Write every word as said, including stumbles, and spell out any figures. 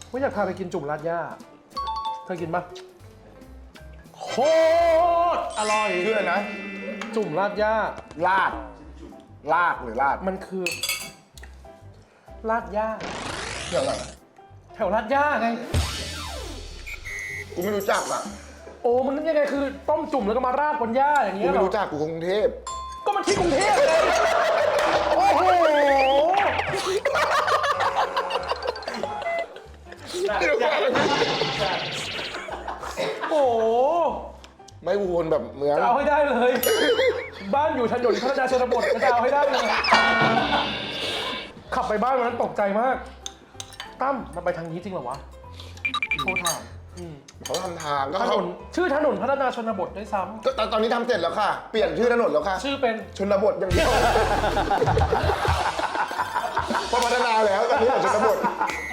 ว่าอยากพาไปกินจุ่มราดย่าเคยกินปะโคตรอร่อยชื่ออะไรนะจุ่มราดย่าลาดลาดหรือลาดมันคือราดย่าเรื่องอะไรแถวราดย่าไงกูไม่รู้จักอ่ะโอ้มันยังไงคือต้มจุ่มแล้วก็มาราดบนย่าอย่างกูเงี้ยเหไม่รอรู้จักกูกรุงเทพก็มันที่กรุงเทพเลย โอ้โห โอ้โหไม่กูคนแบบเมืองจะเอาให้ได้เลย บ้านอยู่ถนนพัฒนาชนบทก็จะเอาให้ได้เลย ขับไปบ้านวันนั้นตกใจมาก ตั้มมันไปทางนี้จริงเหรอวะโทรถามอืมเขาทำทางก็ถนเขานชื่อถนนพัฒนาชนบทด้วยซ้ก็ตอนตอนนี้ทำเสร็จแล้วค่ะ เปลี่ยนชื่อถนนแล้วค่ะำชื่อเป็นชนบทอย่างเดียว พอพัฒนาแล้วตอนนี้ชนบท